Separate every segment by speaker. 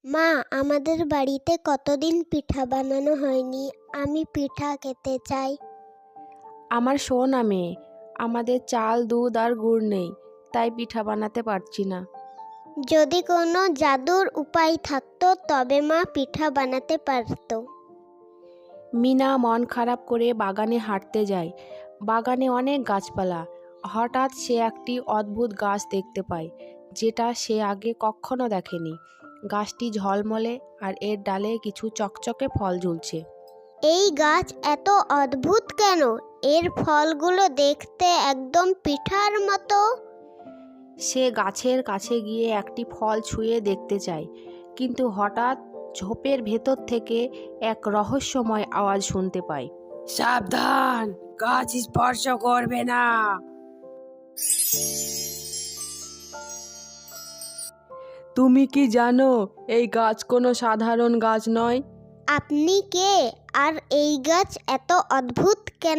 Speaker 1: মা, আমাদের বাড়িতে কতদিন পিঠা বানানো হয়নি। আমি পিঠা খেতে চাই।
Speaker 2: আমার সোনা মেয়ে, আমাদের চাল, দুধ আর গুড় নেই, তাই পিঠা বানাতে পারছি না।
Speaker 1: যদি কোনো জাদুর উপায় থাকতো তবে মা পিঠা বানাতে পারতো।
Speaker 2: মিনা মন খারাপ করে বাগানে হাঁটতে যায়। বাগানে অনেক গাছপালা। হঠাৎ সে একটি অদ্ভুত গাছ দেখতে পায়, যেটা সে আগে কখনো দেখেনি। গাছটি ঝলমলে আর এর ডালে কিছু চকচকে ফল ঝুলছে।
Speaker 1: এই গাছ এত অদ্ভুত কেন? এর ফলগুলো দেখতে একদম পিঠার মতো।
Speaker 2: সে গাছের কাছে গিয়ে একটি ফল ছুঁয়ে দেখতে চায়, কিন্তু হঠাৎ ঝোপের ভেতর থেকে এক রহস্যময় আওয়াজ শুনতে পায়। সাবধান, গাছ স্পর্শ করবে না। তুমি কি জানো এই গাছ কোনো সাধারণ গাছ নয়?
Speaker 1: আপনি কে? আর এই গাছ এত অদ্ভুত কেন?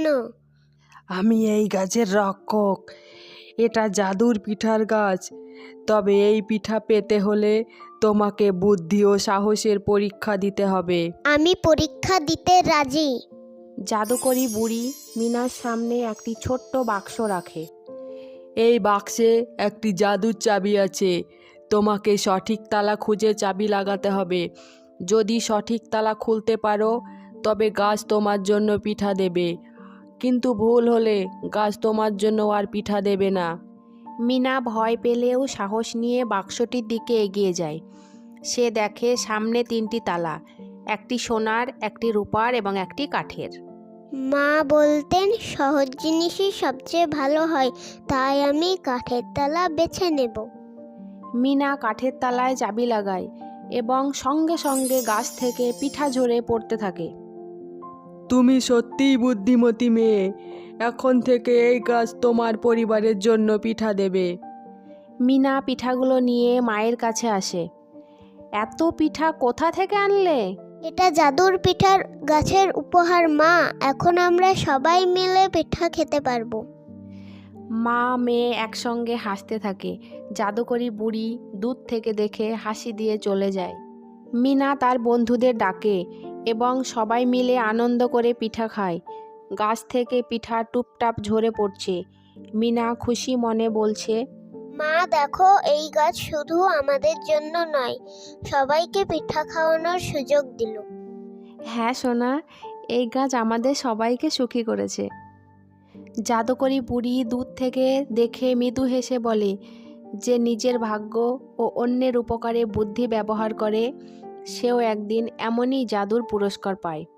Speaker 2: আমি এই গাছের রক্ষক। এটা জাদুর পিঠার গাছ। তবে এই পিঠা পেতে হলে তোমাকে বুদ্ধি ও সাহসের পরীক্ষা দিতে হবে।
Speaker 1: আমি পরীক্ষা দিতে রাজি।
Speaker 2: জাদুকরি বুড়ি মিনার সামনে একটি ছোট্ট বাক্স রাখে। এই বাক্সে একটি জাদুর চাবি আছে। তোমাকে সঠিক তালা খুঁজে চাবি লাগাতে হবে। যদি সঠিক তালা খুলতে পারো তবে গাছ তোমার জন্য পিঠা দেবে, কিন্তু ভুল হলে গাছ তোমার জন্য আর পিঠা দেবে না। মিনা ভয় পেলেও সাহস নিয়ে বাক্সটির দিকে এগিয়ে যায়। সে দেখে সামনে 3টি তালা, একটি সোনার, একটি রূপার এবং একটি কাঠের।
Speaker 1: মা বলতেন সহজ জিনিসই সবচেয়ে ভালো হয়, তাই আমি কাঠের তালা বেছে নেব।
Speaker 2: মিনা কাঠের তালায় চাবি লাগায় এবং সঙ্গে সঙ্গে গাছ থেকে পিঠা ঝরে পড়তে থাকে। তুমি সত্যিই বুদ্ধিমতী মেয়ে। এখন থেকে এই গাছ তোমার পরিবারের জন্য পিঠা দেবে। মিনা পিঠাগুলো নিয়ে মায়ের কাছে আসে। এত পিঠা কোথা থেকে আনলে?
Speaker 1: এটা জাদুর পিঠার গাছের উপহার মা। এখন আমরা সবাই মিলে পিঠা খেতে পারবো।
Speaker 2: মা মেয়ে একসঙ্গে হাসতে থাকে। জাদুকরি বুড়ি দূর থেকে দেখে হাসি দিয়ে চলে যায়। মিনা তার বন্ধুদের ডাকে এবং সবাই মিলে আনন্দ করে পিঠা খায়। গাছ থেকে পিঠা টুপটাপ ঝরে পড়ছে। মিনা খুশি মনে বলছে,
Speaker 1: মা দেখো, এই গাছ শুধু আমাদের জন্য নয়, সবাইকে পিঠা খাওয়ানোর সুযোগ দিল।
Speaker 2: হ্যাঁ সোনা, এই গাছ আমাদের সবাইকে সুখী করেছে। জাদুকরি বুড়ি দূর থেকে দেখে মৃদু হেসে বলে, যে নিজের ভাগ্য ও অন্যের উপকারে বুদ্ধি ব্যবহার করে সেও একদিন এমনই জাদুর পুরস্কার পায়।